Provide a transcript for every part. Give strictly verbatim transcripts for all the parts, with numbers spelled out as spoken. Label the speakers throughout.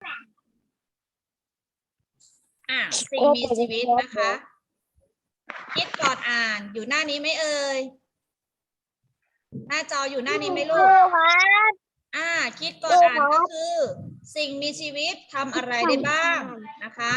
Speaker 1: อ่ะสิ่งมีชีวิตนะคะคิดก่อนอ่านอยู่หน้านี้ไหมเอ่ยหน้าจออยู่หน้านี้ไหมลูกอ่าคิดก่อนอ่านก็คือ สิ่งมีชีวิตทำอะไรได้บ้างนะคะ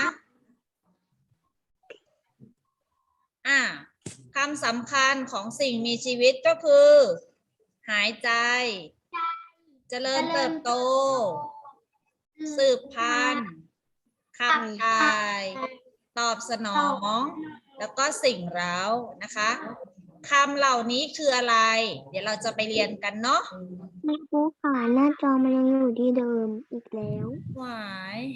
Speaker 1: อ่าคำสำคัญของสิ่งมีชีวิตก็คือ หายใจ เจริญเติบโต สืบพันธุ์ขับถ่าย ตอบสนอง แล้วก็สิ่งเร้านะคะคำเหล่านี้คืออะไร เดี๋ยวเราจะไปเรียนกันเนาะ
Speaker 2: ไม่รู้ค่ะหน้าจอมันยังอยู่ที่เดิมอีกแล้ว
Speaker 1: หวาย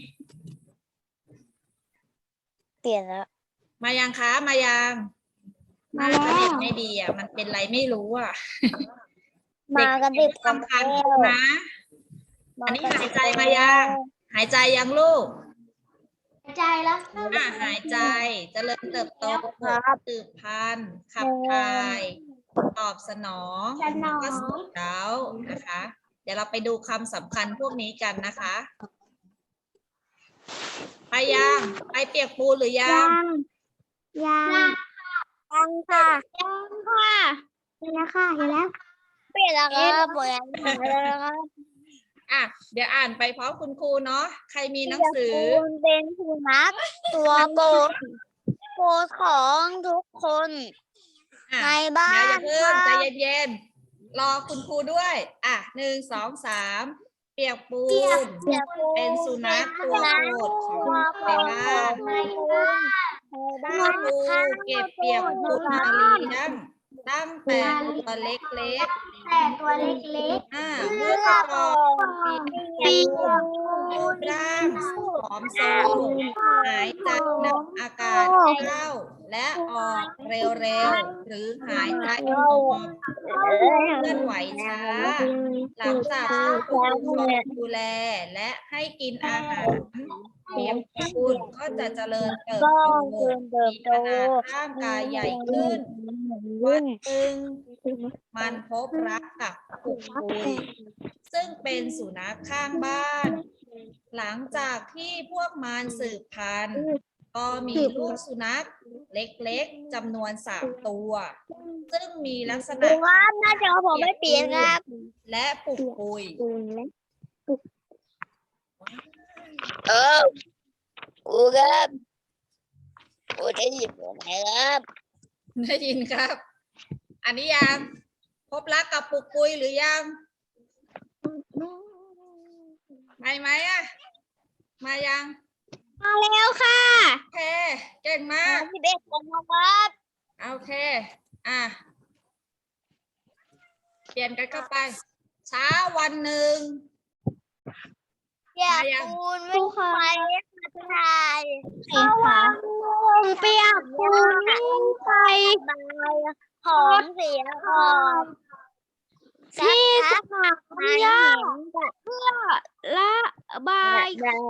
Speaker 2: เปลี่ยนแล้ว
Speaker 1: มายังคะมายังมาแล้วเน็ตไม่ดีอ่ะมันเป็นไรไม่รู้อ่ะ
Speaker 2: มากันดิบ
Speaker 1: สำคัญนะอันนี้หายใจมายังหายใจยังลูก
Speaker 2: หายใจแล้ว
Speaker 1: อ่ะหายใจเจริญเติบโตสืบพันธุ์ขับถ่ายตอบสนองแล้วก็สิ่งเร้านะคะ เดี๋ยวเราไปดูคำสำคัญพวกนี้กันนะคะไปยังไปเปียกปูนหรือยัง
Speaker 2: ยังยังค่ะยังค่ะเห็นแล้วค่ะเห็นแล้วเปลี่ยนแล้วครับเปลี่ยนแล้วครับ
Speaker 1: อ่ะเดี๋ยวอ่านไปพร้อมคุณครูเนาะใครมีหนังสือ
Speaker 2: เป็นสุนัขตัวโปรดโปรดของทุกคนในบ้าน
Speaker 1: เดี๋ยวอย่าเพิ่งใจเย็นๆรอคุณครูด้วยอ่ะหนึ่งสองสามเปียกปูนเป็นสุนัขตัวโปรดของในบ้านคุณครูเก็บเปียกปูนมาเลี้ยงตั้งแต่ตัวเล็กๆ
Speaker 2: แต่ตัวเล็ก
Speaker 1: ๆอ่าเมื่อตอนปีรูปร่างผอมโซหายใจนำอากาศเข้าและออกเร็วๆหรือหายใจออกเคลื่อนไหวช้าหลังจากที่คุณครูดูแลและให้กินอาหารเปียกปูนก็จะเจริญเติบโตมีขนาดร่างกายใหญ่ขึ้นวันหนึ่งมันพบรักกับปุกปุยซึ่งเป็นสุนัขข้างบ้าน หลังจากที่พวกมันสืบพันธุ์ก็มีลูกสุนัขเล็กๆจำนวนสามตัว ซึ่งมีลักษณะ
Speaker 2: ครับหน้าจอผมไม่เปลี่ยนครับ
Speaker 1: และปุกปุย
Speaker 2: เอออูครับอูได้ยินไหมครับ
Speaker 1: ได้ยินครับ อันนี้ยังพบรักกับปุกปุยหรือยังไม่ไหมอ่ะมายัง
Speaker 2: มาแล้วค่ะ
Speaker 1: โอเคเก่งมาก
Speaker 2: สิบเอ็ดคนครับ
Speaker 1: โอเคอ่ะเปลี่ยนกันเข้าไปเช้าวันหนึ่ง
Speaker 2: เปียกปูนไม่ไปถ่ายเช้าวันหนึ่งเปียกปูนไม่ไปหอมเสียออกที่สนามหญ้าเพื่อละบาย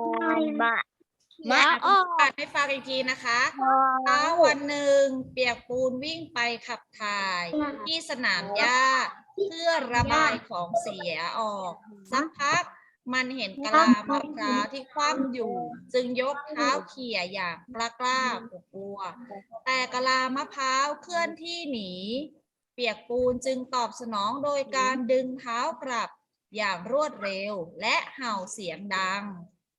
Speaker 1: มาออกให้ฟังอีกทีนะคะเช้าวันหนึ่งเปียกปูนวิ่งไปขับถ่ายที่สนามหญ้าเพื่อระบายของเสียออกสักพักมันเห็นกะลามะพร้าวที่คว่ำอยู่จึงยกเท้าเขี่ยอย่างกล้ากล้ากลัวแต่กะลามะพร้าวเคลื่อนที่หนีเปียกปูนจึงตอบสนองโดยการดึงเท้ากลับอย่างรวดเร็วและเห่าเสียงดัง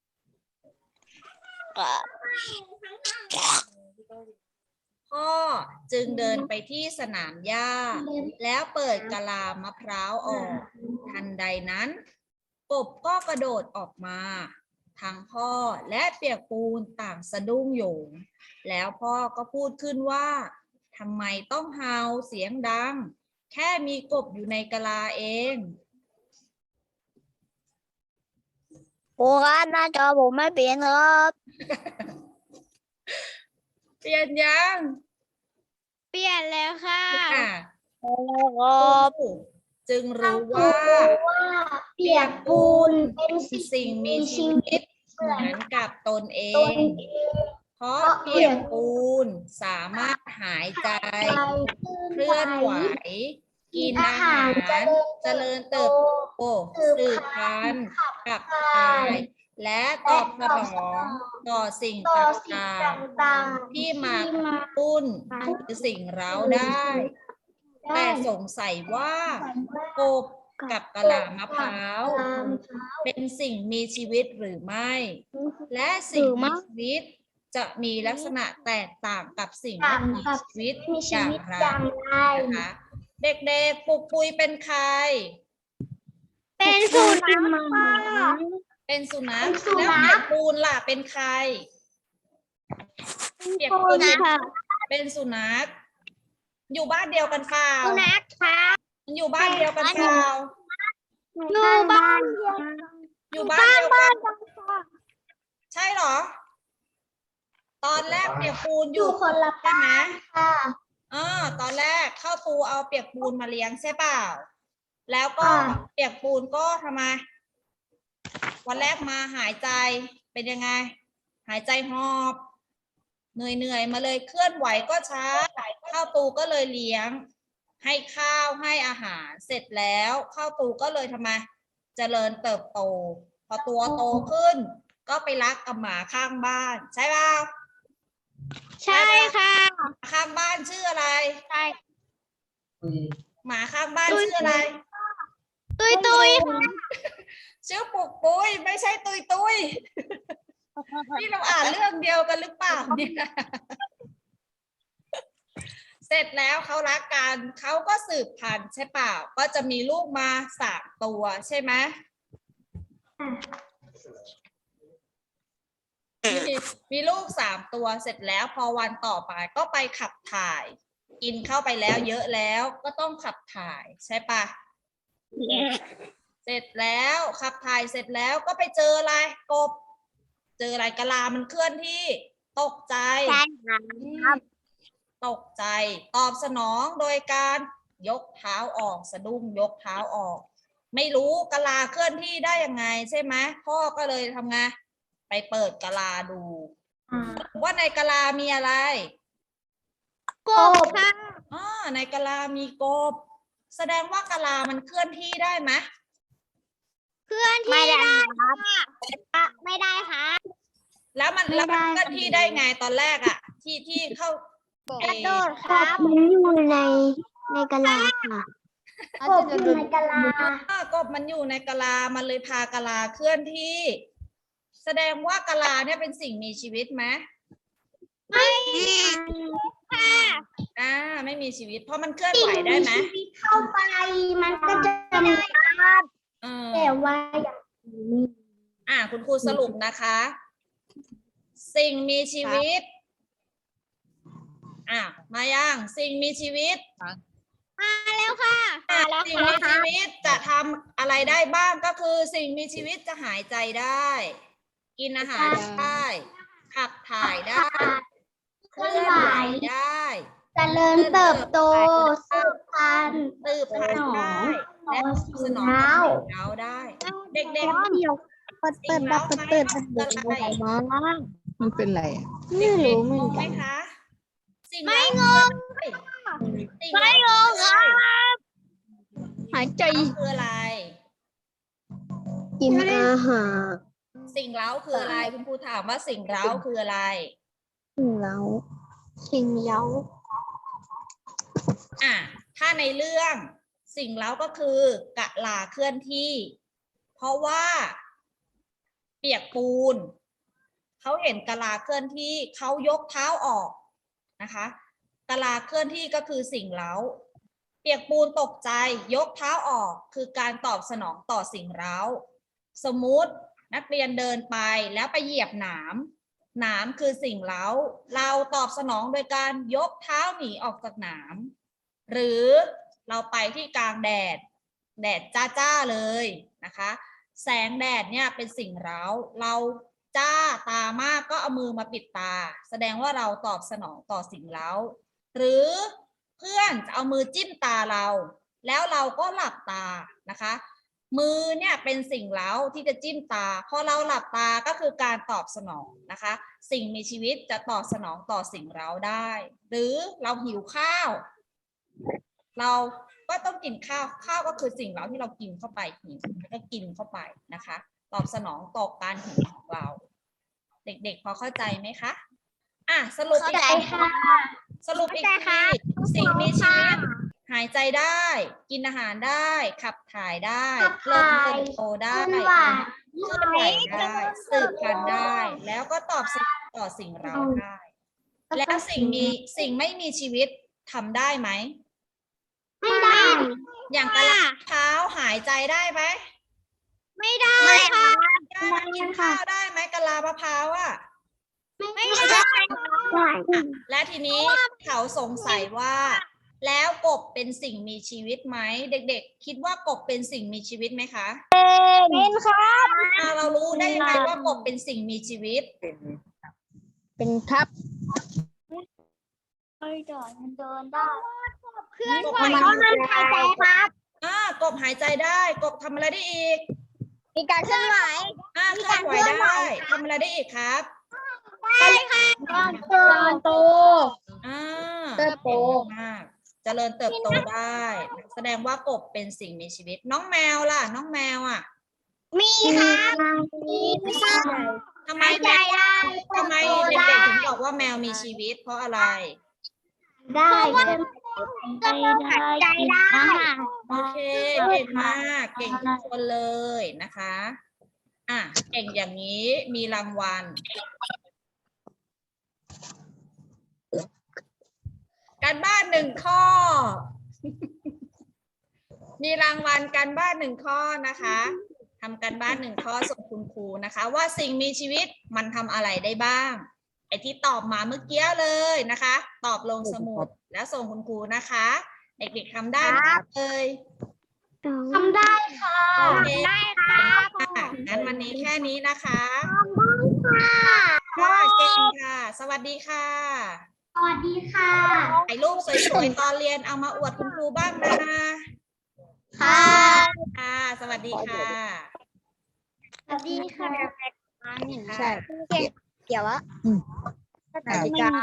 Speaker 1: พ่อจึงเดินไปที่สนามหญ้าแล้วเปิดกะลามะพร้าวออกทันใดนั้นกบก็กระโดดออกมาทั้งพ่อและเปียกปูนต่างสะดุ้งโหยงแล้วพ่อก็พูดขึ้นว่าทำไมต้องเห่าเสียงดังแค่มีกบอยู่ในกะลาเอง
Speaker 2: โอ้ครับหน้าจอผมไม่เปลี่ยนครับ
Speaker 1: เปลี่ยนยัง
Speaker 2: เปลี่ยนแล้วค่ะ
Speaker 1: จึงรู้ว่าเปียกปูนเป็นสิ่งมีชีวิตเหมือนกับตนเองเพราะเปียกปูนสามารถหายใจเคลื่อนไหวกินอาหารเจริญเติบโตสืบพันธุ์ขับถ่ายและตอบสนองต่อสิ่งต่างๆที่มากระตุ้นหรือสิ่งเร้าได้ แต่สงสัยว่ากบกับกะลามะพร้าวเป็นสิ่งมีชีวิตหรือไม่ และสิ่งมีชีวิตจะมีลักษณะแตกต่างกับสิ่งไม่มีชีวิตอย่างไรนะคะเด็กๆปุกปุยเป็นใคร
Speaker 2: เป็นสุนัข
Speaker 1: เป็นสุนัขแล้วเปียกปูนล่ะเป็นใครเปียกปูนเป็นสุนัขอยู่บ้านเดียวกันเปล่า
Speaker 2: สุนัขค่ะ
Speaker 1: มันอยู่บ้านเดียวกันเปล่า
Speaker 2: อยู่บ้านเดียว
Speaker 1: อยู่บ้านเดียวกันใช่เหรอ ตอนแรกเปียกปูนอยู่คนละใช่ไหมค่ะอ๋อตอนแรกเข้าปูเอาเปียกปูนมาเลี้ยงใช่เปล่าแล้วก็เปียกปูนก็ทำไมวันแรกมาหายใจเป็นยังไงหายใจหอบเหนื่อยเหนื่อยมาเลยเคลื่อนไหวก็ช้าเข้าตูก็เลยเลี้ยงให้ข้าวให้อาหารเสร็จแล้วเข้าตูก็เลยทำไมเจริญเติบโตพอตัวโตขึ้นก็ไปรักกับหมาข้างบ้านใช่เปล่า
Speaker 2: ใช่ค่ะ
Speaker 1: ข้างบ้านชื่ออะไร
Speaker 2: ใช่
Speaker 1: หมาข้างบ้านชื่ออะไร
Speaker 2: ตุยตุย
Speaker 1: ชื่อปุกปุยไม่ใช่ตุยตุยนี่เราอ่านเรื่องเดียวกันหรือเปล่าเนี่ยเสร็จแล้วเขารักกันเขาก็สืบพันธุ์ใช่เปล่าก็จะมีลูกมาสามตัวใช่ไหมมีมีลูกสามตัวเสร็จแล้วพอวันต่อไปก็ไปขับถ่ายกินเข้าไปแล้วเยอะแล้วก็ต้องขับถ่ายใช่ปะเสร็จแล้วขับถ่ายเสร็จแล้วก็ไปเจออะไรกบเจออะไรกะลามันเคลื่อนที่ตกใจตกใจตอบสนองโดยการยกเท้าออกสะดุ้งยกเท้าออกไม่รู้กะลาเคลื่อนที่ได้ยังไงใช่ไหมพ่อก็เลยทำไงไปเปิดกะลาดูว่าในกะลามีอะไร
Speaker 2: กบค่ะ
Speaker 1: อ๋อในกะลามีกบแสดงว่ากะลามันเคลื่อนที่ได้ไหม
Speaker 2: เคลื่อนที่ได้ค่ะไม่ได้ค่ะ
Speaker 1: แล้วมันแล้วมันเคลื่อนที่ได้ไงตอนแรกอะที่ที่เข้าก
Speaker 2: ระโดดครับมันอยู่ในในกะลาค่ะกบอยู่ในกะลา
Speaker 1: อ่ากบมันอยู่ในกะลามันเลยพากะลาเคลื่อนที่แสดงว่ากะลาเนี่ยเป็นสิ่งมีชีวิตไหม
Speaker 2: ไม่ค่ะ
Speaker 1: อ่าไม่มีชีวิตเพราะมันเคลื่อนไหวได้ไหม
Speaker 2: เข้าไปมันก็จะมีครับแต่ว่าอย่างนี้
Speaker 1: อ่าคุณครูสรุปนะคะ สิ่งมีชีวิตอ่ะมายังสิ่งมีชีวิต
Speaker 2: มาแล้วค่ะมาแล้ว
Speaker 1: สิ่งมีชีวิตจะทำอะไรได้บ้างก็คือสิ่งมีชีวิตจะหายใจได้กินอาหารได้ขับถ่ายได้เคลื่อนไหวได้
Speaker 2: เจริญเติบโตสืบพันธุ์
Speaker 1: สืบพันธุ์ได้และสนองต่อเราได้เด็กๆ
Speaker 2: เดี๋ยวเปิดเปิดเปิดเปิดเปิดอะไรมา
Speaker 3: มันเป็นอะไรอ่ะ
Speaker 2: ไม่รู้เหมือน
Speaker 1: ไหม
Speaker 2: กัน
Speaker 1: คะสิ่ง
Speaker 2: ไม่งงไม่งงครับหายใจ
Speaker 1: คืออะไร
Speaker 2: กินอาหาร
Speaker 1: สิ่งเร้าคืออะไรคุณครูถามว่าสิ่งเร้าคืออะไร
Speaker 2: สิ่งเล้าสิ่งเล้า
Speaker 1: อ่ะถ้าในเรื่องสิ่งเร้าก็คือกะลาเคลื่อนที่เพราะว่าเปียกปูนเขาเห็นกะลาเคลื่อนที่เขายกเท้าออกนะคะกะลาเคลื่อนที่ก็คือสิ่งเร้าเปียกปูนตกใจยกเท้าออกคือการตอบสนองต่อสิ่งเร้าสมมุตินักเรียนเดินไปแล้วไปเหยียบหนามหนามคือสิ่งเร้าเราตอบสนองโดยการยกเท้าหนีออกจากหนามหรือเราไปที่กลางแดดแดดจ้าๆเลยนะคะแสงแดดเนี่ยเป็นสิ่งเร้าเราจ้าตามากก็เอามือมาปิดตาแสดงว่าเราตอบสนองต่อสิ่งเร้าหรือเพื่อนจะเอามือจิ้มตาเราแล้วเราก็หลับตานะคะมือเนี่ยเป็นสิ่งเร้าที่จะจิ้มตาพอเราหลับตาก็คือการตอบสนองนะคะสิ่งมีชีวิตจะตอบสนองต่อสิ่งเร้าได้หรือเราหิวข้าวเราก็ต้องกินข้าวข้าวก็คือสิ่งเร้าที่เรากินเข้าไปหิวแล้วก็กินเข้าไปนะคะตอบสนองต่อการหิวของเรา เด็กๆพอเข้าใจไหมคะอ่ะสรุปอีกทีสรุปอีกทีสิ่งมีชีวิตหายใจได้ กินอาหารได้ ขับถ่ายได้เริ่มเติบโตได้เคลื่อนไหวได้สืบพันธุ์ได้ แล้วก็ตอบสนองต่อสิ่งเราได้ แล้วสิ่งมีสิ่งไม่มีชีวิตทำได้ไหม
Speaker 2: ไม่ได้
Speaker 1: อย่างกะลามะพร้าวหายใจได้ไหม
Speaker 2: ไม่ได้ค่ะ
Speaker 1: ได้ไหมกินข้าวได้ไหมกะลามะพร้าวอ่ะ
Speaker 2: ไม่ได้
Speaker 1: และทีนี้เขาสงสัยว่า แล้วกบเป็นสิ่งมีชีวิตไหมเด็กๆ คิดว่ากบเป็นสิ่งมีชีวิตไหมคะ
Speaker 2: เป็นครับ
Speaker 1: อ่าเรารู้ได้ยังไงว่ากบเป็นสิ่งมีชีวิต
Speaker 2: เป็นครับเดินเดินได้เคลื่อนไหวเขาห้ามหายใจครับ
Speaker 1: อ่ากบหายใจได้ กบทำอะไรได้อีก
Speaker 2: มีการเคลื่อนไหว
Speaker 1: อ่าเคลื่อนไหวได้ทำอะไรได้อีกครับ
Speaker 2: ได้ค่ะการโต
Speaker 1: อ่า
Speaker 2: เติบโต
Speaker 1: ก่งมากเจริญเติบโตได้ แสดงว่ากบเป็นสิ่งมีชีวิต น้องแมวล่ะ น้องแมวอ่ะ
Speaker 2: มีค่ะมีค่ะ
Speaker 1: ทำไม
Speaker 2: หายใจ
Speaker 1: แมว
Speaker 2: ได้
Speaker 1: ทำไมเด็กๆถึงบอกว่าแมวมีชีวิต เพราะอะไร
Speaker 2: ได้หายใจได้
Speaker 1: โอเคเก่งมากเก่งทุกคนเลยนะคะอ่ะเก่งอย่างนี้มีรางวัล การบ้านหนึ่งข้อ มีรางวัลการบ้านหนึ่งข้อนะคะทำการบ้านหนึ่งข้อส่งคุณครูนะคะ ว่าสิ่งมีชีวิตมันทำอะไรได้บ้างไอ้ที่ตอบมาเมื่อกี้เลยนะคะ ตอบลงสมุดแล้วส่งคุณครูนะคะ เด็กๆทำได้ไหมเลย
Speaker 2: ทำได้ค่ะ
Speaker 1: โอเค
Speaker 2: ได้ค่ะ
Speaker 1: ค่ะงั้นวันนี้แค่นี้นะคะ
Speaker 2: ค่ะ
Speaker 1: ค่ะเก่งค่ะ สวัสดีค่ะ
Speaker 2: สวัสดีค่ะ
Speaker 1: ถ่ายรูปสวยๆตอนเรียนเอามาอวดคุณครูบ้างนะ
Speaker 2: ค่ะ
Speaker 1: ค่ะ สวัสดีค่ะ
Speaker 2: สวัสดีค่ะ
Speaker 1: ใช่
Speaker 2: เกี่ยววะ
Speaker 3: นาฬิกา